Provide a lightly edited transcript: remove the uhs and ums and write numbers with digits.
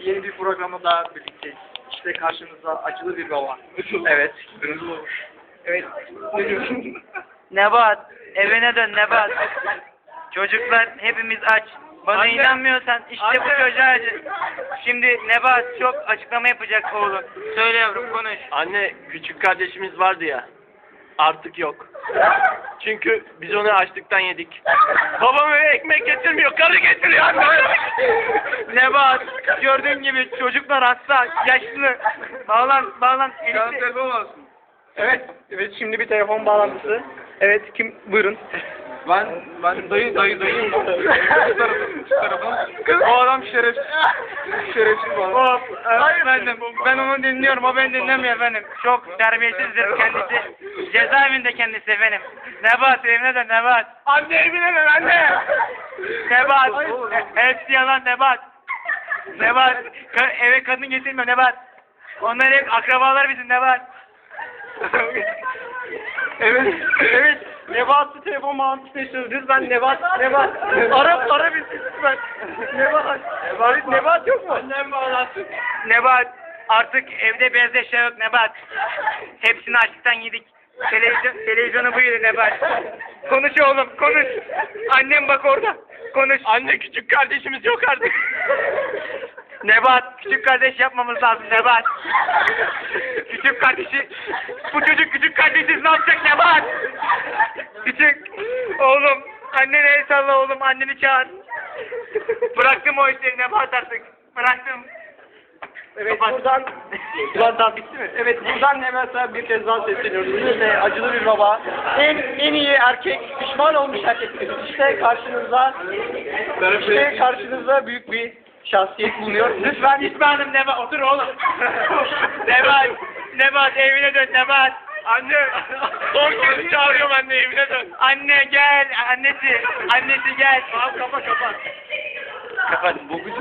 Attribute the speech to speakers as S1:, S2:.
S1: yeni bir programda daha birlikteyiz. İşte karşınızda acılı bir baba. Evet. Evet. Ne diyorsun?
S2: Nebat, evine dön Nebat. Çocuklar hepimiz aç. Bana
S1: Anne.
S2: inanmıyorsan işte bu
S1: Anne.
S2: çocuğa acı. Şimdi Nebat çok açıklama yapacak oğlum. Söyle yavrum konuş.
S3: Anne, küçük kardeşimiz vardı ya. Artık yok. Çünkü biz onu açlıktan yedik. Babam eve ekmek getirmiyor, karı getiriyor anne.
S2: Nebat, gördüğün gibi çocuklar hasta, yaşlı. Bağlan.
S1: telefon olsun. Evet. Evet, şimdi bir telefon bağlantısı. Evet, kim? Buyurun. Ben dayı. Şu tarafa. O adam şerefsiz. Şerefsiz bu adam.
S2: Hop, efendim, ben onu dinliyorum, o beni dinlemiyor efendim. Çok terbiyesizdir kendisi. Cezaevinde kendisi efendim. Nebat, evine dön Nebat.
S1: Anne evine dön anne.
S2: Nebat, hepsi yalan Nebat. Nebat, eve kadın getirmiyor Nebat. Onlar hep akrabalar bizim Nebat.
S1: Evet. Nebat'ı telefon bağlantısını istiyoruz. Lütfen Nebat. Ara bizi lütfen. Nebat yok mu? Annem bağlansın.
S2: Nebat, artık evde beyaz eşya yok Nebat. Hepsini açlıktan yedik. Televizyonu buyurun Nebat. Konuş oğlum, konuş. Annem bak orada. Konuş.
S3: Anne, küçük kardeşimiz yok artık.
S2: Nebat, küçük kardeş yapmamız lazım Nebat. Küçük kardeşi, bu çocuk küçük kardeşsiz ne yapacak Nebat? Küçük, oğlum, annene el salla oğlum, anneni çağır. Bıraktım o işleri Nebat artık, bıraktım.
S1: Evet,
S2: Kapat.
S1: buradan daha bitti mi? Evet, buradan hemen sana bir kez daha sesleniyoruz. İşte acılı bir baba. En iyi erkek, pişman olmuş erkek. İşte karşınızda büyük bir şahsiyet bulunuyor. Lütfen
S2: Pişmanım Nebat, otur oğlum. Nebat, evine dön Nebat.
S3: Anne, son kez çağırıyorum anne, evine dön.
S2: Anne gel, annesi gel.
S1: kapat.
S2: Kapat.